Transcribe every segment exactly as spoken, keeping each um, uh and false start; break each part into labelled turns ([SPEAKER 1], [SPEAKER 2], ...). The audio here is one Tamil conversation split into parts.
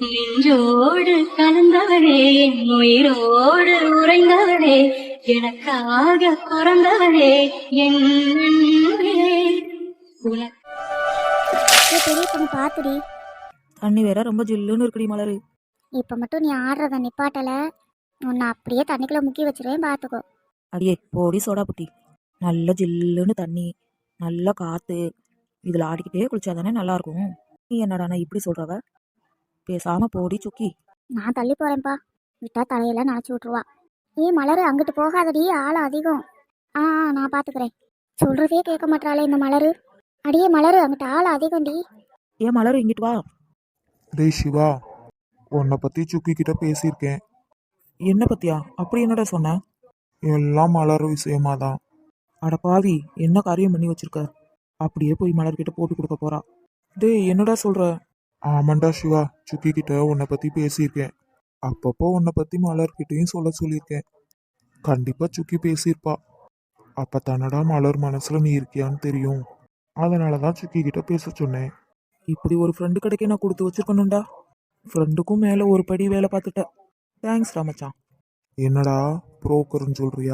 [SPEAKER 1] நின்றோடு கலந்தவளே என் உயிரோடு உறைந்தவளே எனக்காக பிறந்தவளே என் அன்பே. உனக்கு
[SPEAKER 2] ஏய், பெரிய பொண்ணு பாத்துடி.
[SPEAKER 3] தண்ணி வேற ரொம்ப ஜில்லுன்னு இருக்குடி மலரு.
[SPEAKER 2] இப்போ மட்டும் நீ ஆடுறத நிப்பாட்டல, உன்னை அப்படியே தண்ணிக்குள்ள முக்கி வச்சிருவேன், பார்த்துக்கோ.
[SPEAKER 3] அடியே போடி சோடா புட்டி. நல்ல ஜில்லுன்னு தண்ணி, நல்ல காத்து, இதில் ஆடிக்கிட்டே குளிச்சாதானே நல்லா இருக்கும். நீ என்னடானா இப்படி சொல்றவ? பேசாம போடி சுக்கி.
[SPEAKER 2] நான் தள்ளி போறேன்ப்பா, விட்டா தலையெல்லாம் நினச்சி விட்ருவா. ஏ மலரு, அங்கிட்டு போகாதடி, ஆள் அதிகம். ஆ ஆ, நான் பார்த்துக்கிறேன். சொல்றதே கேட்க மாட்டாளே இந்த மலரு. அடியே மலரு, அங்கிட்ட ஆள் அதிகம்டி.
[SPEAKER 3] ஏன் மலரு இங்கிட்டு வா.
[SPEAKER 4] டேய் சிவா, உன்னை பற்றி சுக்கி கிட்ட பேசியிருக்கேன்.
[SPEAKER 3] என்ன பத்தியா? அப்படி என்னடா சொன்ன?
[SPEAKER 4] எல்லாம் மலர் விஷயமா தான்.
[SPEAKER 3] அட பாவி, என்ன காரியம் பண்ணி வச்சிருக்க? அப்படியே போய் மலர்கிட்ட போட்டு கொடுக்க போறா. டேய் என்னடா சொல்ற?
[SPEAKER 4] ஆமாண்டா சிவா, சுக்கி கிட்ட உன்னை பற்றி பேசியிருக்கேன். அப்பப்போ உன்னை பற்றி மலர்கிட்டையும் சொல்ல சொல்லியிருக்கேன். கண்டிப்பாக சுக்கி பேசியிருப்பா. அப்போ தானடா மலர் மனசில் நீ இருக்கியான்னு தெரியும். அதனால தான் சுக்கி கிட்ட பேச சொன்னேன்.
[SPEAKER 3] இப்படி ஒரு ஃப்ரெண்டு கிடைக்க நான் கொடுத்து வச்சிருக்கணும்டா. ஃப்ரெண்டுக்கும் மேலே ஒரு படி வேலை பார்த்துட்ட. தேங்க்ஸ் ராமச்சான்.
[SPEAKER 4] என்னடா புரோக்கர்னு சொல்றியா?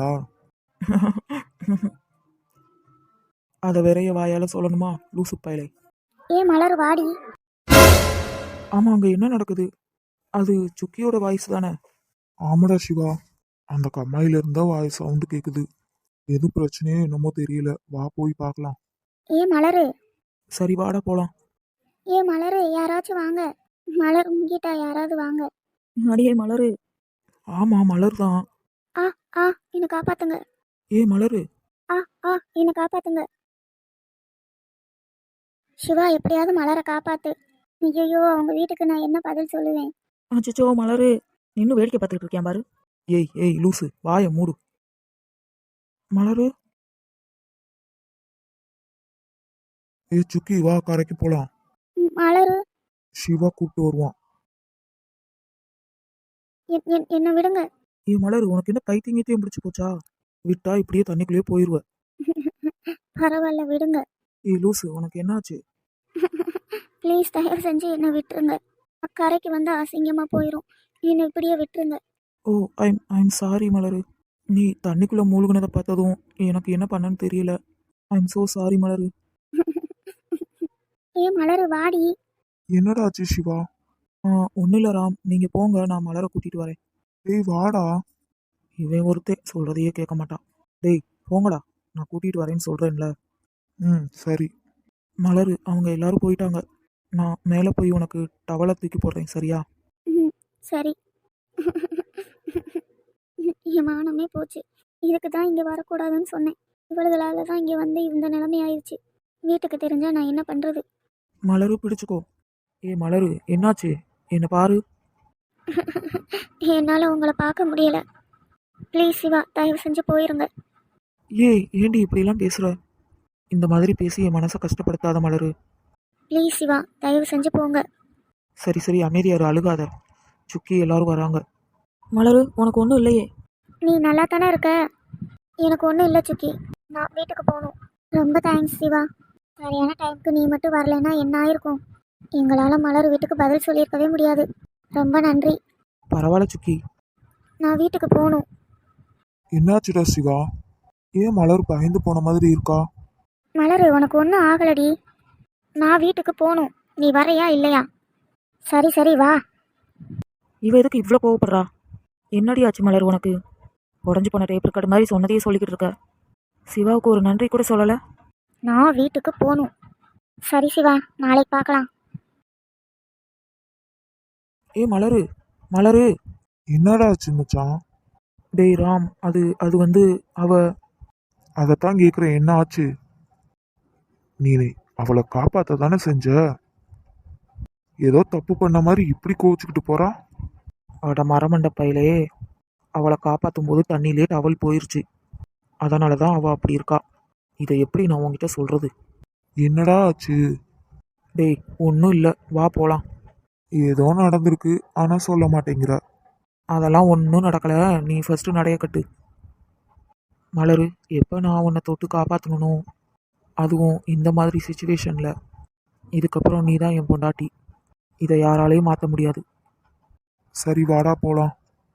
[SPEAKER 3] அதை வேறைய வாயால சொல்லணுமா லூசு பயலை?
[SPEAKER 2] ஏ மலர் வாடி.
[SPEAKER 3] ஆமா, அங்க என்ன நடக்குது? அது சுக்கியோட வாய்ஸ் தானே?
[SPEAKER 4] ஆமாடா சிவா, அந்த கம்மாயில இருந்தா வாய் சவுண்டு கேக்குது. எது பிரச்சனையோ என்னமோ தெரியல. வா போய் பார்க்கலாம்.
[SPEAKER 2] ஏ மலரு.
[SPEAKER 3] சரி வாடா போலாம்.
[SPEAKER 2] ஏ மலரு, யாராச்சும் வாங்க. மலர் உங்கிட்ட யாராவது வாங்க.
[SPEAKER 3] அடியே மலரு. ஆமா மலர் தான்.
[SPEAKER 2] ஆ ஆ, என்னை காப்பாத்துங்க.
[SPEAKER 3] ஏ மலரு.
[SPEAKER 2] ஆ ஆ, என்னை காப்பாத்துங்க. சிவா, எப்படியாவது மலரை காப்பாத்து. ஐயோ, அவங்க வீட்டுக்கு நான் என்ன பதில் சொல்லுவேன்?
[SPEAKER 3] அச்சோ மலரு, நின்னு வேடிக்கை பார்த்துக்கிட்டு இருக்கேன் பாரு. ஏய் ஏய் லூசு, வாய மூடு. மலரு.
[SPEAKER 4] ஏ சுக்கி, வா கரைக்கு போலாம்.
[SPEAKER 2] ம், மலரு.
[SPEAKER 4] சிவா கூப்பிட்டு வருவான்.
[SPEAKER 2] என்- என்- என்னை விடுங்க.
[SPEAKER 3] ஏ மலரு, உனக்கு என்ன பைத்தியங்கத்தையும் பிடிச்சி போச்சா? விட்டா இப்படியே தண்ணிக்குள்ளேயே போயிருவ.
[SPEAKER 2] பரவாயில்ல, விடுங்க.
[SPEAKER 3] ஏய் லூசு, உனக்கு என்னாச்சு?
[SPEAKER 2] ப்ளீஸ், தயவு செஞ்சு என்னை விட்டுருங்க. கரைக்கு வந்து அசிங்கமா போயிடும். என்னை இப்படியே விட்டுருங்க.
[SPEAKER 3] ஓ ஐம் ஐம் சாரி மலரு. நீ தண்ணிக்குள்ள மூழ்கினதை பார்த்ததும் எனக்கு என்ன பண்ணன்னு தெரியல. ஐம் சோ சாரி மலரு.
[SPEAKER 2] ஏ மலரு, வாடி.
[SPEAKER 4] என்னடா ஆச்சு சிவா?
[SPEAKER 3] ஆ ஒன்றும் இல்லை ராம், நீங்கள் போங்க, நான் மலரை கூட்டிகிட்டு வரேன்.
[SPEAKER 4] டேய் வாடா.
[SPEAKER 3] இவன் ஒருத்தே சொல்கிறதையே கேட்க மாட்டான். டேய் போங்கடா, நான் கூட்டிகிட்டு வரேன்னு சொல்கிறேன்ல.
[SPEAKER 4] ம் சரி.
[SPEAKER 3] மலரு, அவங்க எல்லாரும் போயிட்டாங்க. நான் மேலே போய் உனக்கு டவலை தூக்கி போடுறேன், சரியா?
[SPEAKER 2] ம், சரி. என் மானமே போச்சு. இதுக்கு தான் இங்கே வரக்கூடாதுன்னு சொன்னேன். இவளுகளால தான் இங்கே வந்து இந்த நிலைமை ஆயிடுச்சு. வீட்டுக்கு தெரிஞ்சா நான் என்ன பண்ணுறது?
[SPEAKER 3] மலரு பிடிச்சுக்கோ. ஏ மலரு, என்னாச்சு? என்னை பாரு.
[SPEAKER 2] என்னால் உங்களை பார்க்க முடியல. ப்ளீஸ் சிவா, தயவு செஞ்சு போயிருங்க.
[SPEAKER 3] ஏய் ஏண்டி இப்படிலாம் பேசுகிற? இந்த மாதிரி பேசி என் மனசை கஷ்டப்படுத்தாத மலரு.
[SPEAKER 2] ப்ளீஸ் சிவா, தயவு செஞ்சு போங்க.
[SPEAKER 3] சரி சரி அமைதியாரு, அழுகாத. சுக்கி எல்லாரும் வராங்க. மலரு, உனக்கு ஒன்றும் இல்லையே?
[SPEAKER 2] நீ நல்லா தானே இருக்க? எனக்கு ஒன்றும் இல்லை சுக்கி. நான் வீட்டுக்கு போகணும். ரொம்ப தேங்க்ஸ் சிவா. சரியான டைமுக்கு நீ மட்டும் வரலைன்னா என்ன ஆயிருக்கும்? எங்களால் மலர் வீட்டுக்கு பதில் சொல்லியிருக்கவே முடியாது. ரொம்ப நன்றி.
[SPEAKER 3] பரவாயில்ல சுக்கி.
[SPEAKER 2] நான் வீட்டுக்கு போகணும்.
[SPEAKER 4] என்னாச்சுடா சிவா? ஏன் மலர் பயந்து போன மாதிரி இருக்கா?
[SPEAKER 2] மலர், உனக்கு ஒன்றும் ஆகலடி. நான் வீட்டுக்கு போகணும். நீ வரையா இல்லையா? சரி சரி வா.
[SPEAKER 3] இவ எதுக்கு இவ்வளோ கோவப்படுறா? என்னடி ஆச்சு மலர் உனக்கு? உடஞ்சி போன டேப் ரெக்கார்டு மாதிரி சொன்னதையே சொல்லிக்கிட்டு இருக்க. சிவாவுக்கு ஒரு நன்றி கூட சொல்லலை.
[SPEAKER 2] நான் வீட்டுக்கு போகணும். சரி சிவா, நாளைக்கு பார்க்கலாம்.
[SPEAKER 3] ஏ மலரு, மலரு.
[SPEAKER 4] என்னடா ஆச்சு மச்சான்?
[SPEAKER 3] டேய் ராம், அது அது வந்து அவ.
[SPEAKER 4] அதைத்தான் கேட்குறேன், என்ன ஆச்சு? நீ அவளை காப்பாத்த தானே செஞ்ச. ஏதோ தப்பு பண்ண மாதிரி இப்படி கோவிச்சுக்கிட்டு போறா.
[SPEAKER 3] அவட மரமண்ட பையிலே அவளை காப்பாற்றும் போது தண்ணியிலே டவல் போயிருச்சு. அதனால தான் அவள் அப்படி இருக்கா. இதை எப்படி நான் உங்ககிட்ட சொல்கிறது?
[SPEAKER 4] என்னடா ஆச்சு?
[SPEAKER 3] டேய் ஒன்றும் இல்லை, வா போகலாம்.
[SPEAKER 4] ஏதோ நடந்திருக்கு, ஆனால் சொல்ல மாட்டேங்கிற.
[SPEAKER 3] அதெல்லாம் ஒன்றும் நடக்கலை, நீ ஃபஸ்ட்டு நடைய கட்டு. மலரு, எப்போ நான் உன்னை தொட்டு காப்பாற்றணும், அதுவும் இந்த மாதிரி சுச்சுவேஷனில், இதுக்கப்புறம் நீ தான் என் பொண்டாட்டி. இதை யாராலையும் மாற்ற முடியாது.
[SPEAKER 4] சரி வாடா போலாம்.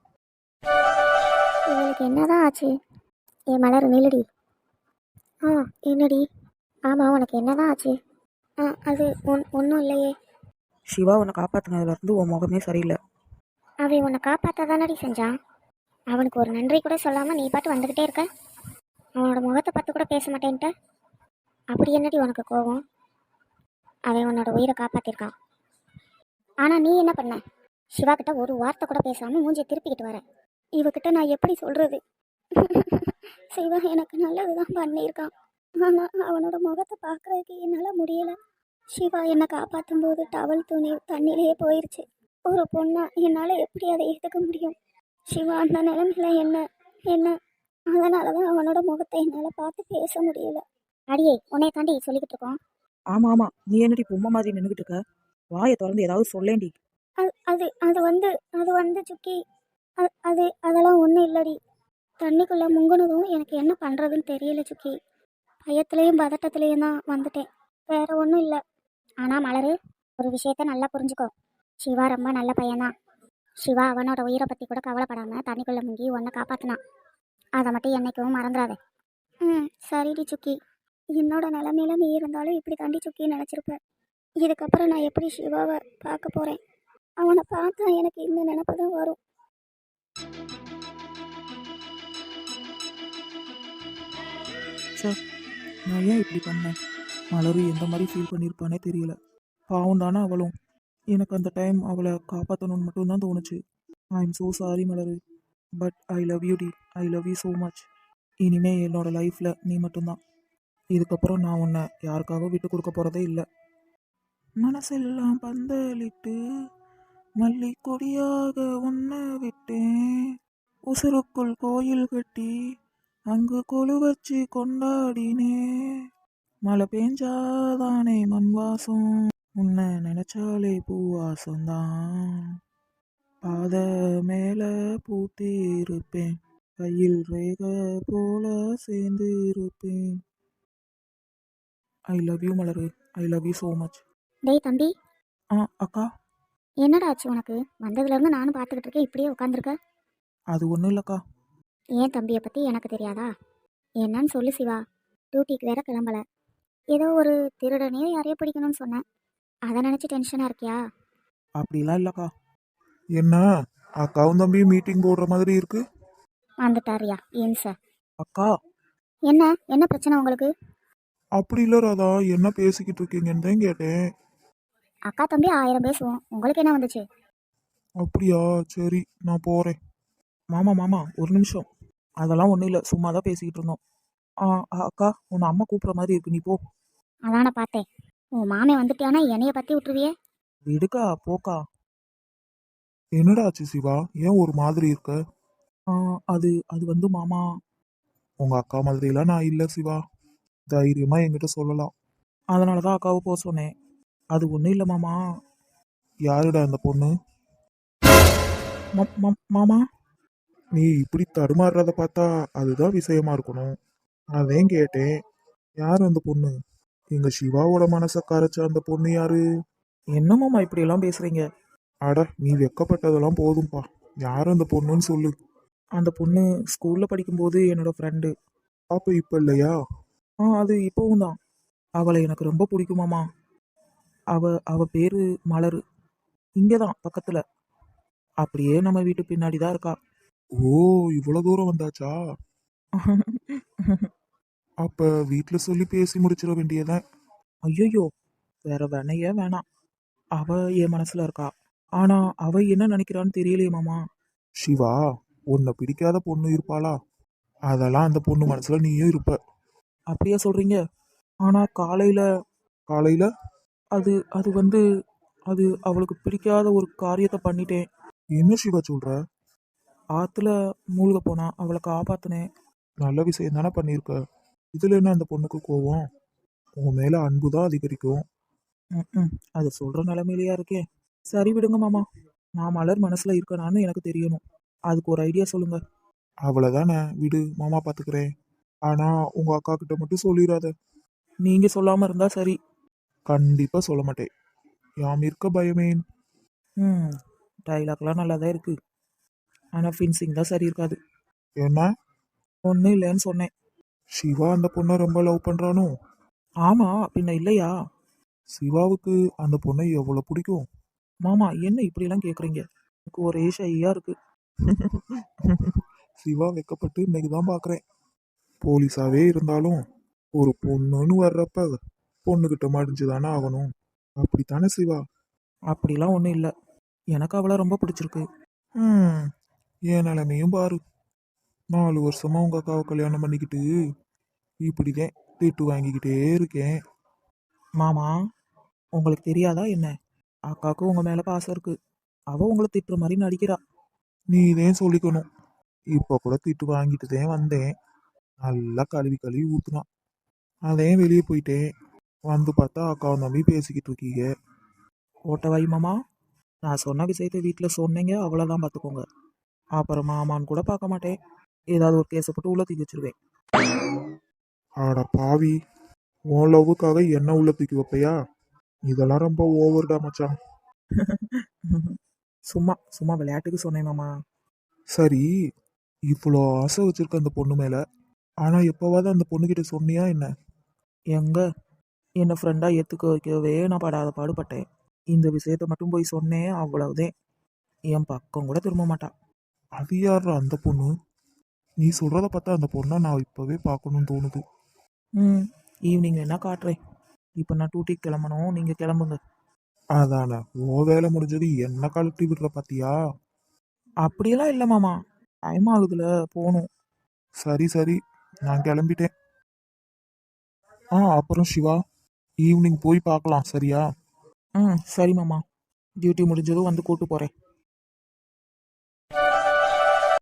[SPEAKER 2] இவளுக்கு என்னதான் ஆச்சு? ஏ மலர் நில்லுடி. ஆ என்னடி? ஆமாம், உனக்கு என்னதான் ஆச்சு? ஆ அது ஒன் ஒன்றும் இல்லையே.
[SPEAKER 3] சிவா உன்னை காப்பாற்றினதுலேருந்து உன் முகமே சரியில்லை.
[SPEAKER 2] அவன் உன்னை காப்பாற்ற தானடி செஞ்சான். அவனுக்கு ஒரு நன்றி கூட சொல்லாமல் நீ பாட்டு வந்துக்கிட்டே இருக்க. அவனோட முகத்தை பார்த்து கூட பேச மாட்டேன்ட்ட. அப்படி என்னடி உனக்கு கோபம்? அவன் உன்னோட உயிரை காப்பாற்றிருக்கான். ஆனால் நீ என்ன பண்ண? சிவா கிட்ட ஒரு வார்த்தை கூட பேசாமல் மூஞ்சியை திருப்பிக்கிட்டு வர. இவகிட்ட நான் எப்படி சொல்கிறது? சிவா எனக்கு நல்லது தான் பண்ணியிருக்கான். ஆனால் அவனோட முகத்தை பார்க்குறதுக்கு என்னால் முடியலை. சிவா என்னை காப்பாற்றும் போது டவல் துணி தண்ணியிலேயே போயிடுச்சு. ஒரு பொண்ணா என்னால் எப்படி அதை ஏற்றுக்க முடியும்? சிவா அந்த நிலைமையில என்ன என்ன அதனால தான் அவனோட முகத்தை என்னால் பார்த்து பேச முடியல. அடியே, உன்னை தாண்டி சொல்லிக்கிட்டு இருக்கோம்.
[SPEAKER 3] ஆமாம் ஆமாம், நீ என்னடி பொம்மை மாதிரி நின்றுக்கிட்டு இருக்க? வாயை திறந்து ஏதாவது சொல்லேண்டி.
[SPEAKER 2] அது அது அது வந்து அது வந்து சுக்கி, அது அது அதெல்லாம் ஒன்றும் இல்லடி. தண்ணிக்குள்ளே முங்குனதும் எனக்கு என்ன பண்ணுறதுன்னு தெரியல சுக்கி. பயத்துலேயும் பதட்டத்துலேயும் தான் வந்துட்டேன், வேற ஒன்றும் இல்லை. ஆனால் மலரு, ஒரு விஷயத்த நல்லா புரிஞ்சுக்கோ. சிவா ரொம்ப நல்ல பையன்தான். சிவா அவனோட உயிரை பற்றி கூட கவலைப்படாமல் தண்ணிக்குள்ளே முங்கி உன்னை காப்பாற்றினான். அதை மட்டும் என்னைக்கும் மறந்துடாத. ம் சரிடி சுக்கி. என்னோட நிலமையில நீ இருந்தாலும் இப்படி தாண்டி சுக்கி நினச்சிருப்ப. இதுக்கப்புறம் நான் எப்படி சிவாவை பார்க்க போகிறேன்? அவனை பார்த்தா எனக்கு இந்த நினப்பு தான் வரும்.
[SPEAKER 3] சார், நான் ஏன் இப்படி பண்ணேன்? மலரு எந்த மாதிரி ஃபீல் பண்ணியிருப்பானே தெரியல. பாவம் தானே அவளும். எனக்கு அந்த டைம் அவளை காப்பாற்றணும்னு மட்டும்தான் தோணுச்சு. I am so sorry Malar, but I love you டி. I love you so much. இனிமே என்னோட லைஃப்பில் நீ மட்டும்தான். இதுக்கப்புறம் நான் உன்னை யாருக்காகவும் விட்டு கொடுக்க போகிறதே இல்லை. மனசெல்லாம் பந்தலிட்டு மல்லி கொடியாக உன்னை விட்டேன். உசுருக்குள் கோயில் கட்டி அங்கு கொலு வச்சு கொண்டாடினே. மழை பெஞ்சாதானே மண் வாசம், உன்னை நினைச்சாலே பூவாசம்தான். பாத மேல பூத்தி இருப்பேன், கையில் ரேக போல சேர்ந்து இருப்பேன். ஐ love you Malar. I love you so much.
[SPEAKER 2] டேய் தம்பி,
[SPEAKER 3] ஆ அக்கா,
[SPEAKER 2] என்னடா ஆச்சு உனக்கு? வந்ததுலேருந்து நானும் பார்த்துக்கிட்டு இருக்கேன், இப்படியே உட்காந்துருக்க.
[SPEAKER 3] அது ஒன்றும் இல்லைக்கா.
[SPEAKER 2] ஏன் தம்பியை பற்றி எனக்கு தெரியாதா? என்னன்னு சொல்லு சிவா. டியூட்டிக்கு வேற கிளம்பல. ஏதோ ஒரு திருடனே யாரையோ பிடிக்கணும்னு சொன்னேன், அதை நினச்சி டென்ஷனாக இருக்கியா?
[SPEAKER 3] அப்படிலாம் இல்லைக்கா.
[SPEAKER 4] என்ன அக்காவும் தம்பியும் மீட்டிங் போடுற மாதிரி இருக்கு?
[SPEAKER 2] வந்துட்டாரியா ஏன் சார்?
[SPEAKER 3] அக்கா,
[SPEAKER 2] என்ன என்ன பிரச்சனை உங்களுக்கு?
[SPEAKER 4] அப்படி இல்லை ராதா, என்ன பேசிக்கிட்டு இருக்கீங்கன்னு தான் கேட்டேன்.
[SPEAKER 2] அக்கா தம்பி ஆயிரம் பேசுவோம், உங்களுக்கு என்ன வந்துச்சு?
[SPEAKER 4] அப்படியா, சரி நான் போகிறேன்.
[SPEAKER 3] மாமா மாமா ஒரு நிமிஷம். அதெல்லாம் ஒன்றும் இல்லை, சும்மா தான் பேசிக்கிட்டு இருந்தோம். ஆ ஆ, அக்கா உன்னை அம்மா கூப்பிட்ற மாதிரி இருக்கு, நீ போ.
[SPEAKER 2] அதான பார்த்தேன். உன் மாமே வந்துட்டியானா என்னைய பற்றி விட்டுருவியே.
[SPEAKER 3] விடுக்கா, போக்கா.
[SPEAKER 4] என்னடா ஆச்சு சிவா, ஏன் ஒரு மாதிரி இருக்க?
[SPEAKER 3] ஆ, அது அது வந்து மாமா.
[SPEAKER 4] உங்க அக்கா மாதிரிலாம் நான் இல்லை சிவா, தைரியமா என்கிட்ட சொல்லலாம்.
[SPEAKER 3] அதனால தான் அக்காவை போக சொன்னேன். அது ஒன்றும் இல்லை மாமா.
[SPEAKER 4] யாருடா அந்த பொண்ணு?
[SPEAKER 3] மம்- மம்- மாமா,
[SPEAKER 4] நீ இப்படி தடுமாறுறத பார்த்தா அதுதான் விஷயமா இருக்கணும். அதான் கேட்டேன், யார் அந்த பொண்ணு? எங்க சிவாவோட மனசை கரைச்ச அந்த பொண்ணு யாரு?
[SPEAKER 3] என்ன மாமா இப்படியெல்லாம் பேசுகிறீங்க?
[SPEAKER 4] அட, நீ வெக்கப்பட்டதெல்லாம் போதும்பா. யார் அந்த பொண்ணுன்னு சொல்லு.
[SPEAKER 3] அந்த பொண்ணு ஸ்கூலில் படிக்கும்போது என்னோட ஃப்ரெண்டு.
[SPEAKER 4] அப்ப இப்ப இல்லையா?
[SPEAKER 3] ஆ, அது இப்போவும் தான். அவளை எனக்கு ரொம்ப பிடிக்குமாமா. அவ அவ பேரு மலரு. இங்கே தான் பக்கத்தில், அப்படியே நம்ம வீட்டு பின்னாடி தான் இருக்கா.
[SPEAKER 4] ஓ, இவ்வளவு தூரம் வந்தாச்சா? அப்ப வீட்ல சொல்லி பேசி முடிச்சிட வேண்டியதான்.
[SPEAKER 3] ஐயோ, வேற வேணையே வேணாம். அவ என் மனசுல இருக்கா. ஆனா அவ என்ன நினைக்கிறான்னு தெரியலையே மாமா.
[SPEAKER 4] சிவா, உன்னை பிடிக்காத பொண்ணு இருப்பாளா? அதெல்லாம் அந்த பொண்ணு மனசுல நீயும் இருப்ப.
[SPEAKER 3] அப்படியா சொல்றீங்க? ஆனா காலையில
[SPEAKER 4] காலையில
[SPEAKER 3] அது அது வந்து அது அவளுக்கு பிடிக்காத ஒரு காரியத்தை பண்ணிட்டேன்.
[SPEAKER 4] என்ன சிவா சொல்ற?
[SPEAKER 3] ஆத்துல மூழ்க போனா அவளை காப்பாத்தினேன்.
[SPEAKER 4] நல்ல விஷயம் தானே பண்ணியிருக்க. இதுல என்ன அந்த பொண்ணுக்கு கோவம்? உன் மேல அன்புதான் அதிகரிக்கும்.
[SPEAKER 3] ம் ம் அது சொல்ற நிலைமையிலையா இருக்கேன். சரி விடுங்க மாமா, நான் மலர் மனசுல இருக்கனான்னு எனக்கு தெரியணும். அதுக்கு ஒரு ஐடியா சொல்லுங்க.
[SPEAKER 4] அவ்வளவுதானே, விடு, மாமா பாத்துக்கிறேன். ஆனா உங்க அக்கா கிட்ட மட்டும் சொல்லிடாத.
[SPEAKER 3] நீங்க சொல்லாம இருந்தா சரி.
[SPEAKER 4] கண்டிப்பா சொல்ல மாட்டேன். யாம் இருக்க பயமேன்.
[SPEAKER 3] ம் டைலாக்லாம் நல்லா தான் இருக்கு. ஆனால் ஃபின்சிங் தான் சரி இருக்காது.
[SPEAKER 4] என்ன
[SPEAKER 3] ஒன்றும் இல்லைன்னு சொன்னேன்.
[SPEAKER 4] சிவா அந்த பொண்ணை ரொம்ப லவ் பண்றானோ?
[SPEAKER 3] ஆமாம், பின்ன இல்லையா?
[SPEAKER 4] சிவாவுக்கு அந்த பொண்ணை எவ்வளவு பிடிக்கும்?
[SPEAKER 3] மாமா என்ன இப்படிலாம் கேட்குறீங்க? எனக்கு ஒரே ஷையாக இருக்கு.
[SPEAKER 4] சிவா வெக்கப்பட்டு இன்னைக்கு தான் பார்க்குறேன். போலீஸாவே இருந்தாலும் ஒரு பொண்ணுன்னு வர்றப்ப பொண்ணுகிட்ட மடிஞ்சு தானே ஆகணும். அப்படித்தானே சிவா?
[SPEAKER 3] அப்படிலாம் ஒன்றும் இல்லை. எனக்கு அவளை ரொம்ப பிடிச்சிருக்கு.
[SPEAKER 4] ம் என் நிலைமையும் பாரு. நாலு வருஷமா உங்க அக்காவை கல்யாணம் பண்ணிக்கிட்டு இப்படிதான் திட்டு வாங்கிக்கிட்டே இருக்கேன்.
[SPEAKER 3] மாமா, உங்களுக்கு தெரியாதா என்ன? அக்காவுக்கு உங்கள் மேலே பாசம் இருக்கு. அவள் உங்களை திட்டுற மாதிரி நடிக்கிறா.
[SPEAKER 4] நீதான் சொல்லிக்கணும். இப்போ கூட திட்டு வாங்கிட்டு தான் வந்தேன். நல்லா கழுவி கழுவி ஊத்துனான். அதே வெளியே போயிட்டேன். வந்து பார்த்தா அக்காவை நம்பி பேசிக்கிட்டு இருக்கீங்க.
[SPEAKER 3] ஓட்ட வை மாமா. நான் சொன்ன விஷயத்தை வீட்டில் சொன்னீங்க, அவ்வளோதான் பார்த்துக்கோங்க. அப்புறம் மாமான்னு கூட பார்க்க மாட்டேன். ஏதாவது ஒரு கேஸை போட்டு உள்ள தூக்கி வச்சிருவேன்.
[SPEAKER 4] ஆட பாவி, உன் லவ்வுக்காக என்ன உள்ள தூக்கி வைப்பையா? இதெல்லாம் ரொம்ப ஓவர்டா மச்சான்.
[SPEAKER 3] சும்மா சும்மா விளையாட்டுக்கு சொன்னேன் மாமா.
[SPEAKER 4] சரி, இவ்வளோ ஆசை வச்சிருக்க அந்த பொண்ணு மேல, ஆனா எப்பவாவது அந்த பொண்ணுகிட்ட சொன்னியா என்ன?
[SPEAKER 3] எங்க என்னை ஃப்ரெண்டாக ஏற்றுக்க வைக்கவே நான் படாத பாடுபட்டேன். இந்த விஷயத்தை மட்டும் போய் சொன்னேன், அவ்வளவுதான். என் பக்கம் கூட திரும்ப மாட்டான்.
[SPEAKER 4] அது யாரா அந்த பொண்ணு? நீ சொல்றத பார்த்தா அந்த பொண்ணை நான் இப்பவே பார்க்கணும்னு தோணுது.
[SPEAKER 3] ம் ஈவினிங் வேணா காட்டுறேன். இப்போ நான் டூட்டிக்கு கிளம்பணும், நீங்கள் கிளம்புங்க.
[SPEAKER 4] அதானே, ஓ வேலை முடிஞ்சது என்ன கழட்டி விடுற பாத்தியா?
[SPEAKER 3] அப்படியெல்லாம் இல்லை மாமா, டைம் ஆகுதுல, போகணும்.
[SPEAKER 4] சரி சரி, நான் கிளம்பிட்டேன். ஆ அப்புறம் சிவா, ஈவினிங் போய் பார்க்கலாம் சரியா?
[SPEAKER 3] ம் சரி மாமா, டியூட்டி முடிஞ்சதும் வந்து கூட்டு போகிறேன்.